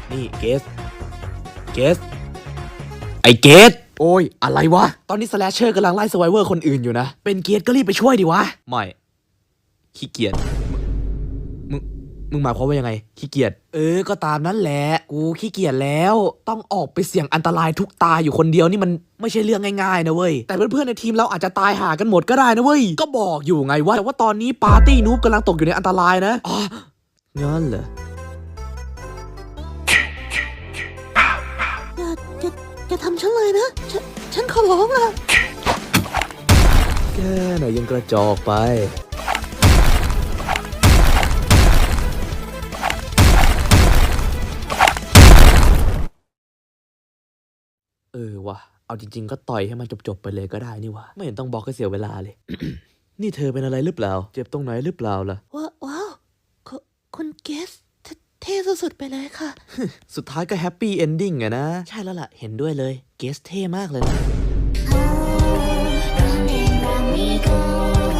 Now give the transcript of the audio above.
นี่เกสไอเกสโอ้ยอะไรวะตอนนี้สแลชเชอร์กำลังไล่สไวเวอร์คนอื่นอยู่นะเป็นเกสก็รีบไปช่วยดิวะไม่ขี้เกียจมึงหมายความว่ายังไงขี้เกียจก็ตามนั้นแหละกูขี้เกียจแล้วต้องออกไปเสี่ยงอันตรายทุกตาอยู่คนเดียวนี่มันไม่ใช่เรื่องง่ายๆนะเว้ยแต่เพื่อนๆในทีมเราอาจจะตายหากันหมดก็ได้นะเว้ยก็บอกอยู่ไงว่าแต่ว่าตอนนี้ปาร์ตี้นูบกำลังตกอยู่ในอันตรายนะอ๋องั้นเหรออย่าทำฉันเลยนะฉันขอร้องอะแค่ไหนยังกระจอกไปวะเอาจริงๆก็ต่อยให้มันจบๆไปเลยก็ได้นี่วะไม่เห็นต้องบอกให้เสียเวลาเลย นี่เธอเป็นอะไรหรือเปล่าเจ็บตรงไหนหรือเปล่าล่ะว้าวคุณเกสเท่สุดๆไปเลยค่ะสุดท้ายก็แฮปปี้เอนดิ้งอะนะใช่แล้วล่ะเห็นด้วยเลยเกสเท่มากเลยนะ